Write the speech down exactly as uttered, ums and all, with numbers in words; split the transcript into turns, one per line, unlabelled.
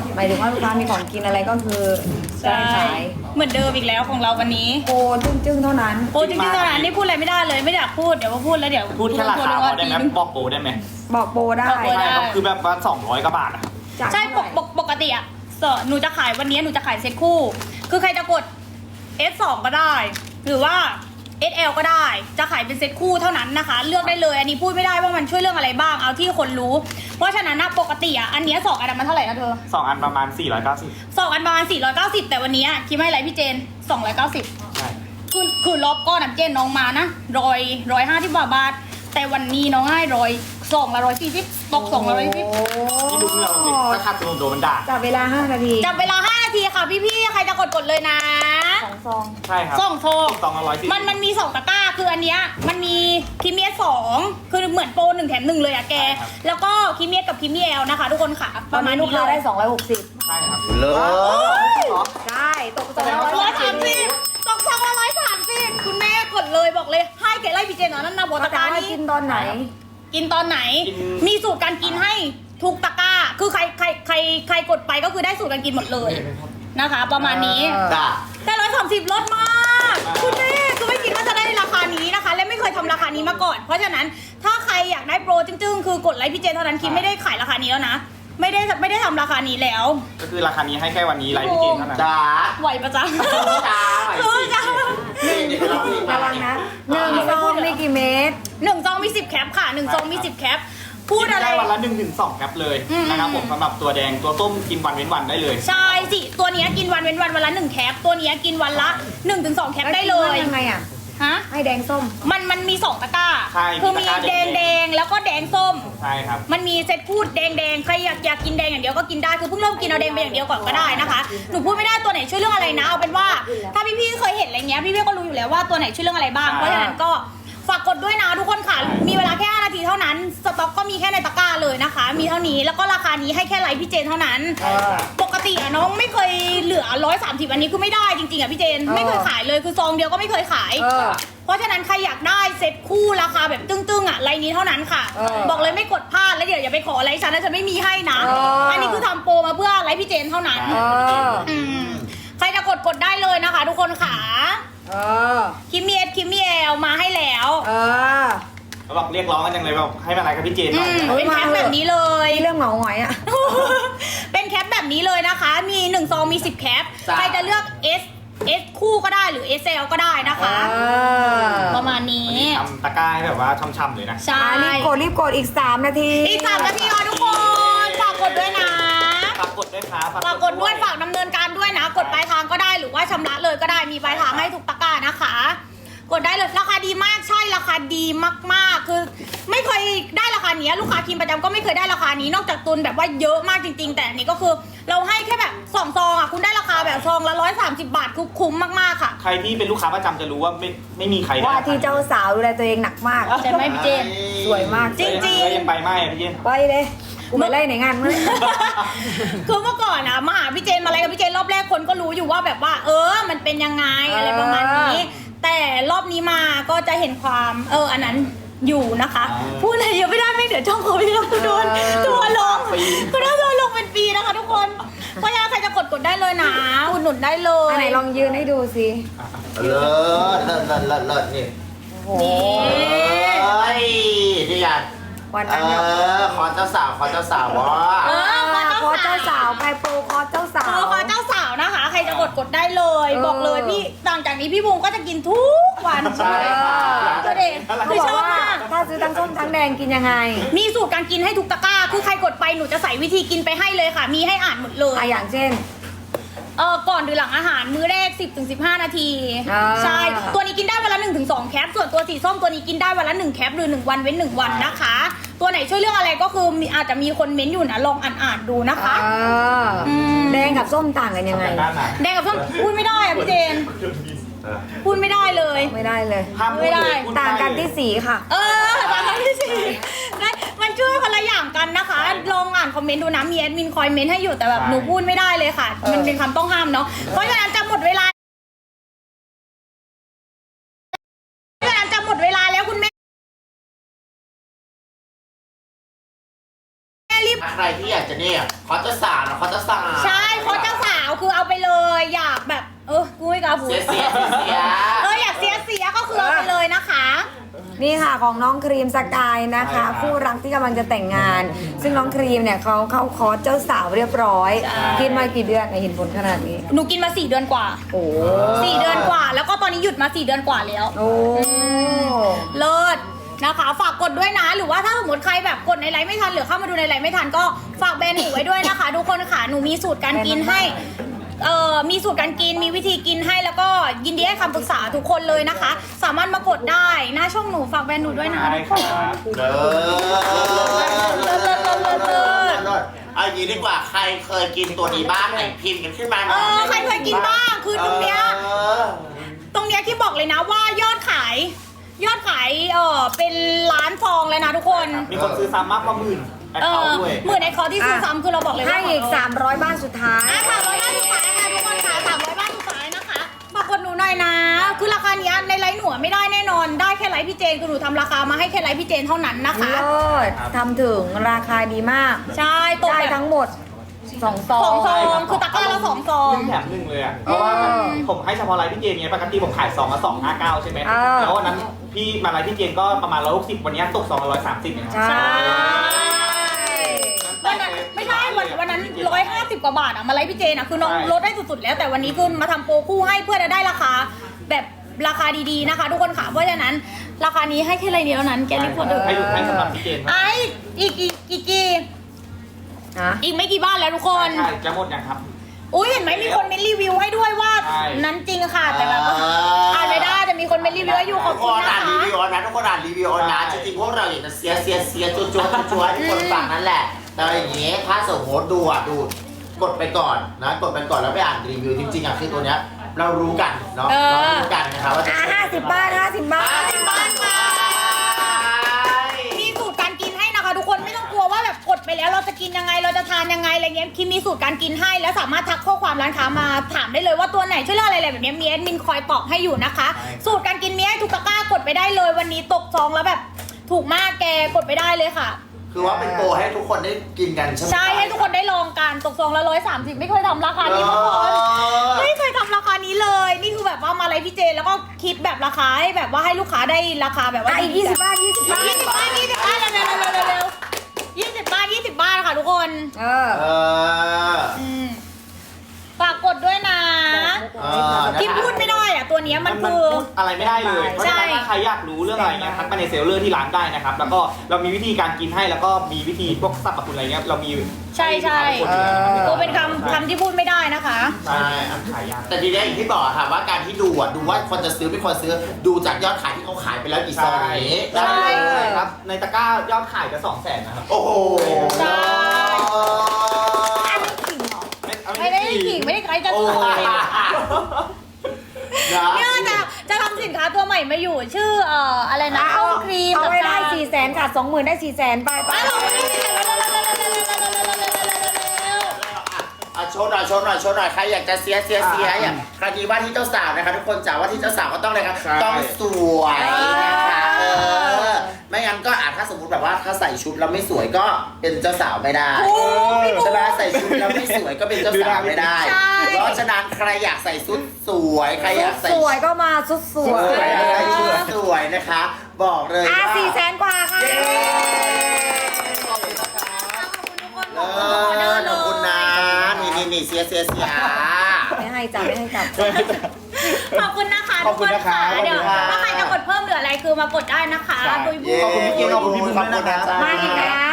หมายถึงว่าลูกค้ามีของกินอะไรก็คือจะได้ขาย
เหมือนเดิมอีกแล้วของเราวันนี้
โปรจึ้งๆเท่านั้น
โอ้จริงๆตอนนั้นนี่พูดอะไรไม่ได้เลยไม่อยากพูดเดี๋ยวมาพูดแล้วเดี๋ยว
พูดแค่ราคาพอได้ไหม
พูด
บอกโปรได้ไหม
บอกโปรได้
บอกโปรได้
ใช่ครับคือแบบว่าสองร้อยกว่าบาทอะ
จาก
ใช่ปกปกปกติอะสอหนูจะขายวันนี้หนูจะขายเซ็ตคู่ คือใครจะกด เอส สอง ก็ได้ หรือว่า เอส แอล ก็ได้ จะขายเป็นเซ็ตคู่เท่านั้นนะคะ เลือกได้เลย อันนี้พูดไม่ได้ว่ามันช่วยเรื่องอะไรบ้าง เอาที่คนรู้ เพราะฉะนั้นนะปกติอะอันเนี้ยสองอันมันเท่าไหร่นะเธอ
สองอันประมาณสี่ร้อยเก้าสิบ
สองอันประมาณสี่ร้อยเก้าสิบแต่วันนี้คิดไม่ไรพี่เจนสองร้อยเก้าสิบ
ใช่
คือคือรอบก้อนน้ำเจนน้องมานะร้อยร้อยห้าที่บาทบาท แต่วันนี้น้องให้ร้อยสองละร้อยสี่สิบตกสองละร้อยสิบ
โอ้
นี่ดูเงื่อนเราดิถ้าขัดโดนโดนมันด่า
จับเวลาห้านาที
จับเวลาห้านาทีค่ะพี่ๆใครจะกดกดเลยนะ
สองซอง
ใช่ครับ
ส่งโทร
สองละร้อยสิบ
มันมันมีสองตะกร้าคืออันเนี้ยมันมีคิเมียสองคือเหมือนโปรหนึ่งแถมหนึ่งเลยอะแก แล้วก็คิเมียกับคิเมียแอลนะคะ ทุกคนค่ะ
ป
ประ ระ
มา
มา
ณ
ณ
ลูก
นี้
ค้า
เล
ได้
ย
สองร้อยหกสิบ
ใช่ครับ
เลิศ
ได้ตกสองร้
ร้
อ
อย ย
สา
สาม ม
สิ
สิ
บบ
ตกสองละร้อยสามสิบคุณแม่กดเลยบอกเลยให้แกไล่พี่เจนนะนั่นนะโบ
เขา
ตะก
ถา
ร้าม
ว่า
นี้
กินตอนไหน
กินตอนไหน มีสูตรการกินให้ทุกตะกร้า คือใครใครใครใครกดไปก็คือได้สูตรการกินหมดเลยนะคะ ประมาณนี้
เออ
จ้ะ
แต่ร้อยสามสิบลดมากคุณแม่คือไม่คิดว่าจะได้ราคานี้นะคะ และไม่เคยทำราคานี้มาก่อน เพราะฉะนั้นถ้าใครอยากได้โปรจึ้งๆคือกดไลค์พี่เจนเท่านั้นคิดไม่ได้ขายราคานี้แล้วนะ ไม่ได้ไม่ได้ทำราคานี้แล้ว
ก็คือราคานี้ให้แค่วันนี้ไลฟ์พี่เจนเท่านั้น
จ้า
ไหวปะจ๊ะ
จ้าไหว
เออจ้ะ
นี่นี่เราพี่มา
ระวังนะหนึ่งซองมีกี่เม็ด
หนึ่งซองมีสิบแคปค่ะหนึ่งซองมีสิบแคปพูดอะไร
ได้วันละหนึ่งถึงสองแคปเลย
อืม
นะครับผมสำหรับตัวแดงตัวต้มกินวันเว้นวันได้เลย
ใช่สิ ตัวเนี้ยกินวันเว้นวันวันละหนึ่งแคป ตัวเนี้ยกินวันละหนึ่งถึงสองแคปได้เลย
ยังไงอ่ะ
ฮะ
ให้แดงส้ม
มันมันมีสองตะกร้า
ใช่
คือ
มี
มี
ตะกร้า
แดง
แด
แด
ง
งแล้วก็แดงส้ม
ใช่ครับ
มันมีเซตพูดแดงแดงใครอยากอยากกินแดงอย่างเดียวก็กินได้ คือเพิ่งเริ่มกินเอาแดงไปอย่างเดียวก่อนก็ได้นะคะ หนูพูดไม่ได้ตัวไหนช่วยเรื่องอะไรนะ เอาเป็นว่า ถ้าพี่ๆเคยเห็นอะไรเงี้ย พี่ๆก็รู้อยู่แล้วว่าตัวไหนช่วยเรื่องอะไรบ้าง
ใช่
เพราะฉะนั้นก็ฝากกดด้วยนะทุกคนค่ะ มีเวลาแค่ห้านาทีเท่านั้น สต็อกก็มีแค่ในตะกร้าเลยนะคะ มีเท่านี้ แล้วก็ราคานี้ให้แค่ไลฟ์พี่เจนเท่านั้น
ใช่ครับ
ปกติอะน้องไม่เคยเหลือร้อยสามสิบอันนี้คือไม่ได้จริงๆอะพี่เจน
เออ
ไม่เคยขายเลยคือซองเดียวก็ไม่เคยขาย
เออ
เพราะฉะนั้นใครอยากได้เซ็ตคู่ราคาแบบตึ้งๆอะไลน์นี้เท่านั้นค่ะ
เออ
บอกเลยไม่กดพลาดแล้วเดี๋ยวอย่าไปขอไลน์ฉันนะฉันไม่มีให้นะ
เอออั
อันนี้คือทำโปรมาเพื่อไลฟ์พี่เจนเท่านั้น
เออ
อืมใครจะกดกดได้เลยนะคะ ทุกคนค่ะ
เออ
คิมมี่เอสคิมมี่แอลมาให้แล้ว
เออ
เขาบอกเรียกร้องกันจังเลยแบบให้มาอะไรกับพี่เจนห
อื
น่อย
มเป็นแคปแบบนี้เลย
เรื่องเหมาหงอยอ่ะ
เป็นแคปแบบนี้เลยนะคะ มีหนึ่งซองมีสิบแคป
จ้ะ
ใครจะเลือก S S คู่ก็ได้หรือ เอส แอล ก็ได้นะคะ
เออ
ประมาณนี้
ทำตะกร้าให้แบบว่าช่ำๆเลยนะ
ใช่
อ่ะรีบกดรีบกดอีกสามนาที
อีกสามนาทีค่ะทุกคนฝากกดด้วยนะ
ฝากกดด้วยครับ
ฝากกดด้วยฝากดำเนินการด้วยนะ กดปลายทางก็ได้หรือว่าชำระเลยก็ได้มีปลายทางให้ทุกตะกร้านะคะ กดได้เลยราคาดีมากใช่ราคาดีมากๆ คือไม่เคยได้ราคานี้ลูกค้าทีมประจำก็ไม่เคยได้ราคานี้นอกจากตุนแบบว่าเยอะมากจริง ๆ แต่อันนี้ก็คือเราให้แค่แบบสองซองอ่ะคุณได้ราคาแบบซองละร้อยสามสิบบาทคือคุ้มมากๆค่ะ
ใครที่เป็นลูกค้าประจำจะรู้ว่าไม่ไม่มีใครได้
ว่าที่เจ้าสาวดูแลตัวเองหนักมาก
ใช่ไหมพี่เจน
สวยมาก
จริงๆ
แล้วยังไปไม่อะพี่เจน
ไปเลยกูไปไล่ไหนงานมึง
คือเมื่อก่อนนะมาหาพี่เจนมาอะไรกับพี่เจนรอบแรกคนก็รู้อยู่ว่าแบบว่า เออ มันเป็นยังไงอะไรประมาณนี้ แต่รอบนี้มาก็จะเห็นความเอออันนั้นอยู่นะคะ พูดอะไรเยอะไม่ได้ไม่เดี๋ยวช่องเขาพี่เราโดนตัวลงก็ได้ตัวลงเป็นปีนะคะทุกคนเพราะฉะนั้นใครจะกดกดได้เลยนะอุดหนุนได้เล
อัน
ย
ไหนลองยืนให้ดูสิ
เลิศเลิศเลิศเลิศเลิศนี่
โอ้โห
เอ้ยนี่ไง
วัน
เอ
นั้นเนี่ย
อขอเจ้าสาวขอเจ้าสาววะ
เออ
คอเจ้าสาวไปโปรคอเจ้าสา
โป
ว
รขอเจ้าสาวนะคะ ใครจะกดกดได้เลย
เออ
บอกเลยพี่หลังจากนี้พี่บูมก็จะกินทุกวัน
ใช่ค่ะ
ก็เด็ก
เขา
คือ
บอก
ชอบ
ว่าม
าก
ถ้าซื้อทั้งส้มทั้งแดงกินยังไง
มีสูตรการกินให้ทุกตะกร้า คือใครกดไปหนูจะใส่วิธีกินไปให้เลยค่ะ มีให้อ่านหมดเลย
อ่ะอย่างเช่น
เออก่อนหรือหลังอาหารมื้อแรก สิบถึงสิบห้า นาที
อ่า
ใช่ ตัวนี้กินได้วันละ หนึ่งถึงสอง แคป ส่วนตัวสีส้มตัวนี้กินได้วันละ หนึ่ง แคป หรือ หนึ่ง วันเว้น หนึ่ง วันนะคะ ตัวไหนช่วยเรื่องอะไรก็คือมีอาจจะมีคนเม้นต์อยู่นะ ลองอ่านๆดูนะคะ
อ่า
อืม
แดงกับส้มต่างกันยังไง
ด้านไหน
แดงกับส้มพูดไม่ได้อะพี่เจน พูดไม่ได้เลย
ไม่ได้เลย
ห้ามพู
ไม่
ด
ได้
เลยพู
ต่างกันที่สีค่ะ
เออตามที่สี่ได้มันช่วยคนละอย่างกันนะคะ ลองอ่านคอมเมนต์ดูนะมีแอดมินคอยเมนต์ให้อยู่แต่แบบหนูพูดไม่ได้เลยค่ะ
เออ
มันเป็นคำต้องห้ามเนาะ เพราะฉะนั้นจะหมดเวลาเพราะฉะนั้นจะหมดเวลาแล้วคุณแม่รีบ
ใครที่อยากจะเนี่ยขอเจ้าสาวนะขอเจ้าสาว
ใช่เอาพูด
เสียเสียเสียเสีย
เอออยากเสียเสียก็คือเอาไปเลยนะคะ
นี่ค่ะของน้องครีมสกายนะคะคู่รักที่กำลังจะแต่งงาน ซึ่งน้องครีมเนี่ยเขาเข้าคอร์สเจ้าสาวเรียบร้อย
ใช่
กินมากี่เดือนเห็นผลขนาดนี้
หนูกินมาสี่เดือนกว่า
โอ้
สี่เดือนกว่า แล้วก็ตอนนี้หยุดมาสี่เดือนกว่าแล้ว
โอ้
เลิศนะคะ ฝากกดด้วยนะ หรือว่าถ้าสมมติใครแบบกดในไลฟ์ไม่ทันหรือเข้ามาดูในไลฟ์ไม่ทันก็ฝากแบรนด์หนูไว้ด้วยนะคะ ทุกคนค่ะหนูมีสูตรการกินให้เอ่อมีสูตรการกินมีวิธีกินให้แล้วก็ยินดีให้คำปรึกษาทุกคนเลยนะคะ สามารถมากดได้หน้าช่องหนูฝากแบรนด์หนูด้วยนะ
ได้
ทุก
ค
คน
รับ
เลิศเลิศเลิศเลิศเลิศเลิศเลิศเอาอย่างนี้ดีกว่าใครเคยกินตัวนี้บ้างไหนพิมพ์กันขึ้นมาห
เอ
น่อย
อใครเคยกินบ้างคือตรงเนี้ย
เออ
ตรงเนี้ยที่บอกเลยนะว่ายอดขาย ยอดขายเออเป็นล้านฟองเลยนะทุกคน
มีคนซื้อซ้ำมากกว่าหมื่นแอค
เอ
เคา
อ
ท์ด้วย
หมื่นในคอที่ซื้อซ้ำคือเราบอกเลยว่า
ให้อีก
ขงเร
สามร้อยบ้านสุดท้าย
อ่ะสามร้อยบ้านสุดท้ายค่ะทุกคนค่ะสามร้อยบ้านสุดท้ายนะคะฝากกดหนูหน่อยนะ คือราคาเนี้ยในไลฟ์หนูอะไม่ได้แน่นอน ได้แค่ไลฟ์พี่เจนคือหนูทำราคามาให้แค่ไลฟ์พี่เจนเท่านั้นนะคะ
เลิศทำถึงราคาดีมาก
ใช่ตก
ได้
แบบ
ทั้งหมดสองซอ
สอง
ง
ซองคือตะกร้าละสองซอง
หนึ่งแถมหนึ่งเลยอ่ะ เพราะว่าผมให้เฉพาะไลฟ์พี่เจนไงปกติผมขายสองละสองห้าเก้าใช่ไหม
เออ
แล้ววันนั้นพี่มาไลฟ์พี่เจนก็ประมาณร้อยหกสิบวันนี้ตกสองร้อยสามสิบเองครับ
ใช่
วันนั้นไม่ใช่วันวันนั้นร้อยห้าสิบกว่าบาทอะมาไลฟ์พี่เจนอะคือน้อง
ใช่
ลดได้สุดๆแล้วแต่วันนี้คือมาทำโปรคู่ให้เพื่อจะได้ราคาแบบราคาดีๆนะคะ ทุกคนค่ะเพราะฉะนั้นราคานี้ให้แค่ไรเดียวเท่านั้นแกรีบกดเถอะ
ให้ดูให้สำหรับพี่เจนครับ
ไอ้อีกอีกอีกกี่
นะ
อีกไม่กี่บ้านแล้วทุกคน
ใช่จะหมดยังครับ
อุ้ยเห็นไหมมีคนเมนรีวิวให้ด้วยว่า
ใช่
นั้นจริงค่ะแต่แบบว่าอ่านไม่ได้แต่มีคนเมนรีวิวให้อยู่ขอบ
ทุก
คุ
ค
ณ
น
นะ
อ่านรี
คะ
วิวนะทุกคนอ่านรีวิวนะจริงๆพวกเราอยากจะเสียเสียเสียจุ๊จุ๊จุ๊ให้ทุกคนฟังนั่นแหละ แต่อย่างนี้ถ้าสมมติดูอ่ะดูกดไปก่อนนะกดไปก่อนแล้วไปอ่านรีวิวจริงๆอ่ะคือตัวเนี้ยเรารู้กันเนาะเรารู้กันนะครับว่าจะ
อ่ะห้าสิบบาทห้าสิบบาท
ห้าสิบบาทค่ะ มีสูตรการกินให้นะคะ ทุกคนไม่ต้องกลัวว่าแบบกดไปแล้วเราจะกินยังไงเราจะทานยังไงอะไรเงี้ยคิมมีสูตรการกินให้แล้วสามารถทักข้อความร้านค้ามาถามได้เลยว่าตัวไหนช่วยเลือกอะไรอะไรแบบเนี้ยมีแอดมินคอยตอบให้อยู่นะคะ สูตรการกินมีให้ทุกตะกร้ากดไปได้เลย วันนี้ตกซองแล้วแบบถูกมากแกกดไปได้เลยค่ะ
คือว่าเป็นโปรให้ทุกคนได้กินกันใช่ไหม
ใช่ให้ทุกคนได้ลองกันตกซองละร้อยสามสิบไม่เคยทำราคานี้มาก่อนไม่เคยทำราคานี้เลย นี่คือแบบว่ามาไลฟ์พี่เจนแล้วก็คิดแบบราคาให้แบบว่าให้ลูกค้าได้ราคาแบบว่า
อ่ะอีกยี่สิบบาทยี่สิบบาท
ยี่สิบบาทยี่สิบบาทเร็วเร็วเร็วเร็วเร็วยี่สิบบาทยี่สิบบาทค่ะทุกคน
เออ
เออ
อืมฝากกดด้วยนะ
เออ
ที่พูดไม่ได้อะตัวเนี้ยมันคือ
พูดอะไรไม่ได้เลย เพราะฉะนั้น
ใช่
ถ้าใครอยากรู้เรื่องอะไรเงี้ยทักมาในเซลเลอร์ที่ร้านได้นะครับ แล้วก็เรามีวิธีการกินให้แล้วก็มีวิธีพวกสรรพคุณอะไรเงี้ยเรามี
ใช่ใช่
ห้ลูกค้าทุกคนอยู่แล้วนะครับ
ตัวเป็นคำคำที่พูดไม่ได้นะคะ
ใช่ขายยาก
แต่ทีนี้อย่างที่บอกค่ะว่าการที่ดูอ่ะดูว่าคนจะซื้อไม่คนซื้อดูจากยอดขายที่เขาขายไปแล้วกี่ซองอย่างนี้
ใช่
ได้เลย
ครับ ในตะกร้ายอดขายจะสองแสนนะครับ
โอ้โห
ใช่
อันนี้ขิงเหรอ
ไม่ได้ขิงไม่ได้ใครจะ
โอ้
ขาย
นะ
เนี่ยจะจะทำสินค้าตัวใหม่มาอยู่ชื่อเอ่ออะไรนะ
เอา
ข้าวครีม
เอาไว้ได้
กับ
สี่แสนค่ะสองหมื่นได้สี่แสนไปไป
อ่ะเราไม่ได้สิเร็วเร็วเร็วเร็วเร็วเร็วเร็วเร็วเร็วเร็วเร็วเร็วเร็วเร็วเร็วเร็วเร็วเร็ว
อ่ะโชว์หน่อยโชว์หน่อยโชว์หน่อยใครอยากจะเสียเสียเสียอย่างคราวนี้ว่าที่เจ้าสาวนะคะทุกคนจ๋าว่าที่เจ้าสาวก็ต้องเลยครับ
ใช่
ต้องสวยนะคะเออไม่งั้นก็อาจถ้าสมมติแบบว่าถ้าใส่ชุดแล้วไม่สวยก็เป็นเจ้าสาวไม่ได้
โอ้พี่บุ๊ค
ใช่ไหมใส่ชุดแล้วไม่สวยก็เป็นเจ้าสาวไม่ได้
ใช่
เพราะฉะนั้นใครอยากใส่ชุดสวยใครอยากใส่
สวยก็มาสุดส
ส
ว
วย
ย
ใครชุดสวยนะคะ บอกเลย
อ่ะ
ว่า
สี่แสนกว่าค่ะ
เย้ขอบคุณนะคะเออขอบคุณนะนี่นี่นี่เสียเสียเสีย
ไม่ให้จับไม่ให้จับ
ขอบคุณนะคะ
ขอบคุณนะคะ
ทุกนเดี๋ยว
ขอบคุณค่ะ
ถ้าใครจะกดเพิ่มหรืออะไรคือมากดได้นะคะ
ใช่
บุยบุย
ขอบคุณพี่เกณฑ์ขอบคุณพี่บุ๋มด้วยนะครับ
มาอีกแล้ว